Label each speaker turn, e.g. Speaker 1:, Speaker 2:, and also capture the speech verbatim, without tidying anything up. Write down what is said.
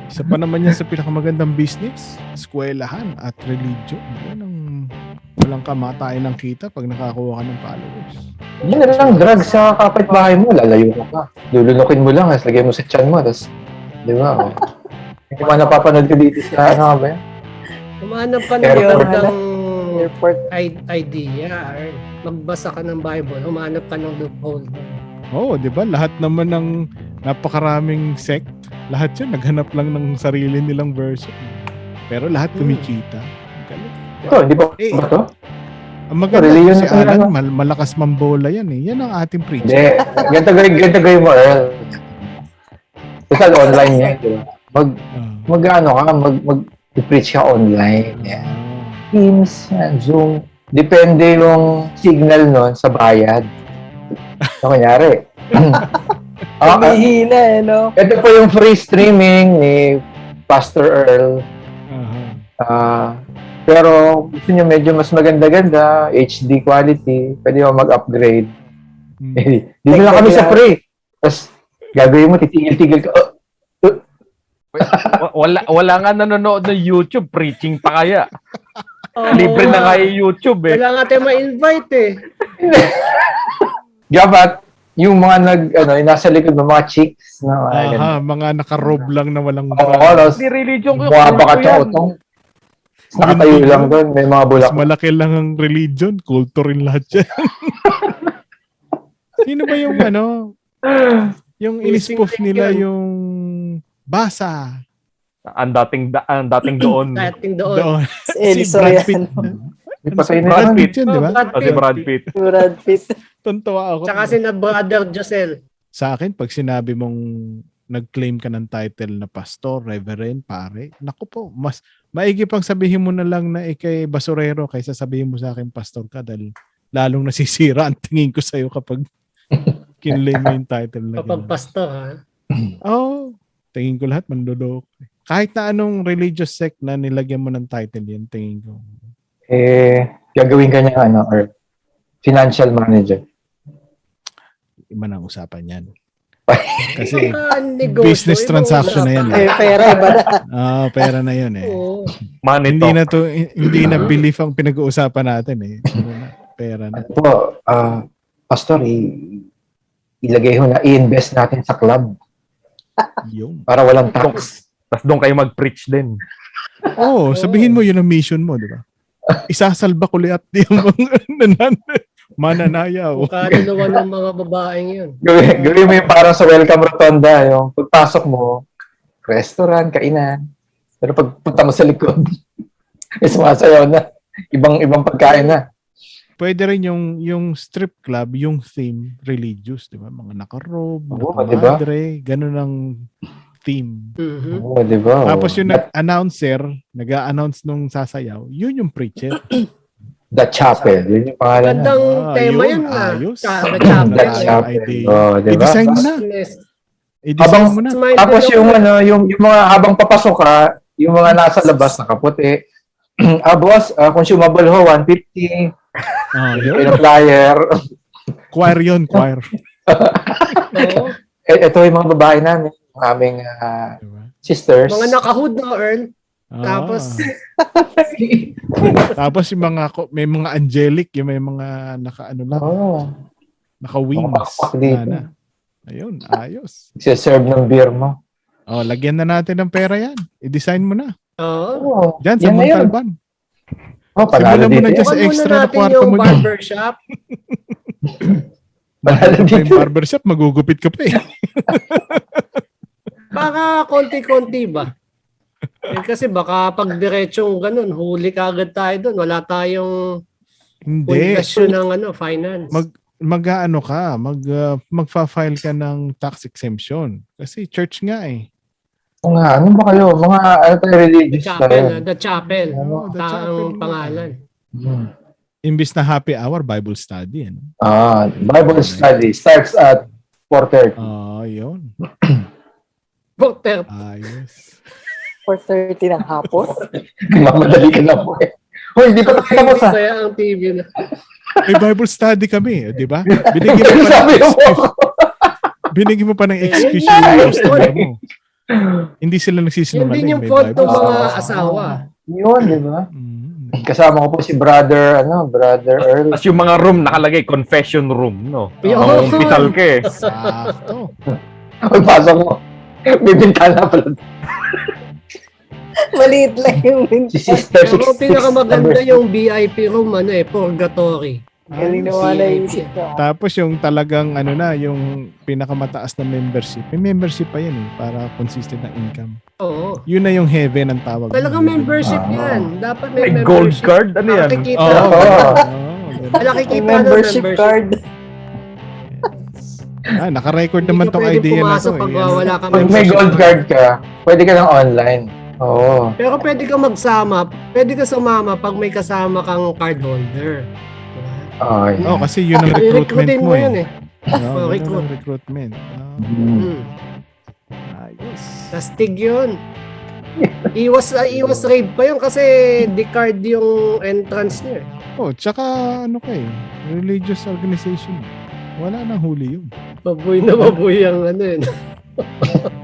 Speaker 1: Isa pa naman yan sa pinakamagandang business, eskwelahan at religion. Yan ang walang kamatayan ng kita pag nakakuha ka ng followers.
Speaker 2: Yan na lang, drugs sa kapitbahay mo, lalayo ka pa. Lulunukin mo lang, tapos lagay mo sa tiyan mo, tapos, di ba? Oh. Hindi mo napapanood ko dito sa, ano ba yan?
Speaker 3: Humanap ka ng
Speaker 2: Airport.
Speaker 3: magandang
Speaker 4: Airport.
Speaker 3: i- idea. Or magbasa ka ng Bible, humanap ka ng loophole.
Speaker 1: Oo, di ba? Lahat naman ng napakaraming sect, lahat yan naghanap lang ng sarili nilang version. Pero lahat kumikita. Ang galing.
Speaker 2: Ito, hindi ba
Speaker 1: Eh,
Speaker 2: ba ito?
Speaker 1: Ang maganda
Speaker 2: Religion
Speaker 1: si
Speaker 2: na talaga.
Speaker 1: Alan, mal- malakas mambola yan eh. Yan ang ating preacher.
Speaker 2: Hindi. Ganito gawin, ganito gawin mo, Earl. Total online yan, di ba? Mag,
Speaker 1: Ah.
Speaker 2: mag, ano ka, mag, mag, preach ka online. Yan.
Speaker 1: Ah.
Speaker 2: Teams, yan, Zoom. Depende yung signal nun sa bayad. So, kunyari. Ah, ah,
Speaker 4: Humihina eh, no?
Speaker 2: ito po yung free streaming ni Pastor Earl.
Speaker 1: Aha.
Speaker 2: Ah, pero gusto niyo medyo mas maganda-ganda, H D quality, pwede mo mag-upgrade.
Speaker 1: Hmm.
Speaker 2: Eh, dito lang kami sa free. Tapos, gagawin mo, titigil-tigil ka. Oh,
Speaker 5: Wa- Wala, wala nga nanonood ng YouTube, preaching pa kaya.
Speaker 3: Oh,
Speaker 5: Libre na kaya YouTube eh.
Speaker 3: Wala nga tayo ma-invite eh.
Speaker 2: dapat, yung mga nag, ano, yung nasa likod ng mga chicks, na mga ganun.
Speaker 1: Aha, mga nakarob lang na walang
Speaker 2: Oo,
Speaker 1: bra.
Speaker 2: tapos,
Speaker 5: Hindi religion ko.
Speaker 2: mukha pa ka
Speaker 5: kulto yan.
Speaker 2: tsotong. Nakatayo
Speaker 1: Hindi
Speaker 2: lang
Speaker 1: yun.
Speaker 2: doon, may mga bulak.
Speaker 1: Mas malaki lang ang religion, kulto rin lahat yan. Sino ba yung ano, yung inispoof nila yung basa
Speaker 5: Ang dating, da- ang dating doon.
Speaker 3: Dating doon.
Speaker 1: doon.
Speaker 4: Si Eli
Speaker 1: Si Brad Pitt.
Speaker 4: Soriano.
Speaker 2: May patay na
Speaker 1: Brad
Speaker 2: yan.
Speaker 1: Pitt yun, di ba?
Speaker 3: Oh, Brad
Speaker 5: O si
Speaker 3: Pitt.
Speaker 5: Brad Pitt.
Speaker 4: Brad Pitt.
Speaker 1: Tuntua ako.
Speaker 3: Tsaka si na Brother Josel.
Speaker 1: Sa akin, pag sinabi mong nag-claim ka ng title na pastor, reverend, pare, naku po, mas maigi pang sabihin mo na lang na ikay basurero kaysa sabihin mo sa akin pastor ka dahil lalong nasisira ang tingin ko sa'yo kapag kinlay mo yung title na
Speaker 3: Kapag
Speaker 1: ganun.
Speaker 3: pastor ha.
Speaker 1: Oo. Oh, tingin ko lahat mandodok. Kahit na anong religious sect na nilagyan mo ng title yan, tingin ko.
Speaker 2: Eh, gagawin ka niya, ano, or financial manager.
Speaker 1: Iba na ang usapan yan. Kasi
Speaker 3: Ah, negosyo,
Speaker 1: business
Speaker 3: ibang
Speaker 1: transaction na yan.
Speaker 3: usapan.
Speaker 4: Eh, pera, iba na.
Speaker 1: ah pera na yun eh.
Speaker 3: Oo.
Speaker 5: Money
Speaker 1: Hindi
Speaker 5: talk.
Speaker 1: na to hindi na belief ang pinag-uusapan natin eh. Ano na, pera na.
Speaker 2: Ano po, ah, pastor, i- ilagay ho na, i-invest natin sa club
Speaker 1: Yung.
Speaker 2: para walang tax.
Speaker 5: Tapos doon kayo mag-preach din.
Speaker 1: Oh, sabihin mo yun ang mission mo, di ba? Isasalba ko liat yung mga nanan mananayaw.
Speaker 3: Kung kaluluwa ng mga babaeng yun.
Speaker 2: Gawin, gawin mo yung parang sa welcome rotonda, yung pagpasok mo, restaurant, kainan. Pero pag punta mo sa likod, eh, sumasayaw na. Ibang ibang pagkain na.
Speaker 1: Pwede rin yung yung strip club, yung theme religious, di ba? Mga nakarob,
Speaker 2: Oo, di ba?
Speaker 1: nakamadre, ganun ang theme.
Speaker 3: Mhm.
Speaker 2: Oo, di ba?
Speaker 1: Tapos yung nag-announcer, nag-a-announce nung sasayaw, yun yung preacher.
Speaker 2: The Chapel. Yun yung pangalan na.
Speaker 3: Magandang
Speaker 1: Ah,
Speaker 3: tema
Speaker 1: yun,
Speaker 3: yan na.
Speaker 1: ayos.
Speaker 3: Sa the
Speaker 2: The
Speaker 3: chapel.
Speaker 2: Chapel.
Speaker 1: idea.
Speaker 2: Oh, di ba?
Speaker 1: I-design mo na.
Speaker 3: Yes.
Speaker 1: I-design
Speaker 2: Habang-
Speaker 1: mo na.
Speaker 3: Smile
Speaker 2: Tapos
Speaker 3: din
Speaker 2: yung
Speaker 3: ako.
Speaker 2: ano, yung, yung mga habang papasok ka, yung mga nasa labas nakaputi. ah, boss, ah, consumable ho, one fifty.
Speaker 1: Ah, yun.
Speaker 2: Yung flyer.
Speaker 1: Choir yun, choir.
Speaker 3: Oo.
Speaker 2: eh, ito yung mga babae namin, yung aming ah,
Speaker 1: Diba?
Speaker 2: sisters.
Speaker 3: Mga nakahood na earn.
Speaker 1: Ah.
Speaker 3: Tapos,
Speaker 1: Tapos yung mga, ko- may mga angelic, yung may mga naka, ano lang,
Speaker 2: Oh,
Speaker 1: naka-wings.
Speaker 2: Nakapakpak dito.
Speaker 1: Na, na. Ayun, ayos.
Speaker 2: serve ng beer mo.
Speaker 1: Oh, lagyan na natin ng pera yan. I-design mo na.
Speaker 3: oo.
Speaker 2: Oh,
Speaker 1: Diyan sa
Speaker 2: yan na yun.
Speaker 1: Montalban.
Speaker 2: Oh, panalo
Speaker 1: Simulan mo
Speaker 2: dito.
Speaker 1: na dyan
Speaker 2: yan.
Speaker 1: sa
Speaker 3: Huwag muna
Speaker 1: extra na
Speaker 3: natin
Speaker 1: kwarto
Speaker 3: yung
Speaker 1: mo dyan.
Speaker 3: barbershop.
Speaker 2: Panalo
Speaker 1: Pag may
Speaker 2: dito.
Speaker 1: barbershop, magugupit ka pa eh.
Speaker 3: Baka konti-konti ba? Eh, kasi baka pag diretsong ganun, huli ka agad tayo doon. Wala tayong
Speaker 1: Hindi.
Speaker 3: pundasyon ng ano, finance.
Speaker 1: Mag, mag-ano ka, mag, uh, magfa-file ka ng tax exemption. Kasi church nga eh.
Speaker 2: Oo nga, ano ba kayo? Mga ano tayo
Speaker 3: The
Speaker 2: religious
Speaker 3: Chapel,
Speaker 2: tayo.
Speaker 3: ah, The Chapel.
Speaker 1: Oh, The
Speaker 3: Taang
Speaker 1: Chapel.
Speaker 3: pangalan.
Speaker 2: Hmm.
Speaker 1: Imbis na happy hour, Bible study. Ano?
Speaker 2: Ah, Bible study starts at four thirty.
Speaker 1: Ah, yun.
Speaker 3: Butter.
Speaker 1: Ayos.
Speaker 4: four thirty ng hapon.
Speaker 2: Mamadali ka na po eh. Hoy, hindi pa tayo tapos ha.
Speaker 3: Kaya ang T V na.
Speaker 1: May Bible study kami, eh, di ba? Binigyan mo pa
Speaker 2: Sabi
Speaker 1: ng
Speaker 2: mo.
Speaker 1: excuse, binigyan mo pa ng excuse yung customer mo. Hindi sila
Speaker 3: Yun
Speaker 1: nagsisinungaling.
Speaker 3: din yung
Speaker 1: may
Speaker 3: fault ng
Speaker 1: Bible.
Speaker 3: mga
Speaker 2: Ah.
Speaker 3: asawa.
Speaker 2: Yun, di ba?
Speaker 1: Mm.
Speaker 2: Kasama ko po si brother, ano, brother Earl.
Speaker 5: Tapos yung mga room nakalagay, confession room, no?
Speaker 3: Yun.
Speaker 5: Mga ka eh.
Speaker 1: Sakto.
Speaker 2: Pagpasok mo, may bintana pala.
Speaker 4: Maliit lang yung
Speaker 2: Si Sister
Speaker 3: Pero
Speaker 2: sixty-six.
Speaker 3: pinakamaganda yung V I P room, ano eh, purgatory.
Speaker 4: Galing
Speaker 3: Ayun,
Speaker 4: naman
Speaker 3: V
Speaker 4: na
Speaker 3: I P.
Speaker 4: isip ko.
Speaker 1: Tapos yung talagang ano na, yung pinakamataas na membership. May membership pa yan eh, para consistent na income.
Speaker 3: Oo.
Speaker 1: Yun na yung heaven ang tawag.
Speaker 3: Talagang membership
Speaker 2: Ah.
Speaker 3: yan. Dapat may,
Speaker 5: May
Speaker 3: membership.
Speaker 5: gold card? Ano yan?
Speaker 3: Nakikita.
Speaker 1: Oo.
Speaker 2: Oo.
Speaker 1: Oo, ganun.
Speaker 3: Nakikita
Speaker 4: May
Speaker 3: na
Speaker 4: membership card.
Speaker 1: Ah, naka-record
Speaker 3: Hindi
Speaker 1: naman
Speaker 3: ka
Speaker 1: tong
Speaker 3: pwedeng
Speaker 1: idea na
Speaker 3: pumasok
Speaker 1: to.
Speaker 3: pag
Speaker 1: eh.
Speaker 3: wala ka
Speaker 2: Pag may gold card ka, pwede ka lang online. Oo.
Speaker 3: Pero pwede ka magsama, pwede ka sumama pag may kasama kang card holder. Diba?
Speaker 2: Oh, yeah.
Speaker 1: Oo, kasi yun ang recruitment
Speaker 3: I-recruitin
Speaker 1: mo
Speaker 3: yun
Speaker 1: eh.
Speaker 3: eh.
Speaker 1: Oo,
Speaker 3: Oh,
Speaker 1: ganun
Speaker 3: recruit.
Speaker 1: ang recruitment. Ah,
Speaker 2: Mm.
Speaker 3: Hmm.
Speaker 1: ayos.
Speaker 3: Tastig yun. Iwas ah, iwas raid pa yun kasi di-card yung entrance niya eh.
Speaker 1: Oh, tsaka ano ka eh, religious organization. Wala nang huli yun.
Speaker 3: Baboy na baboy ang ano yun.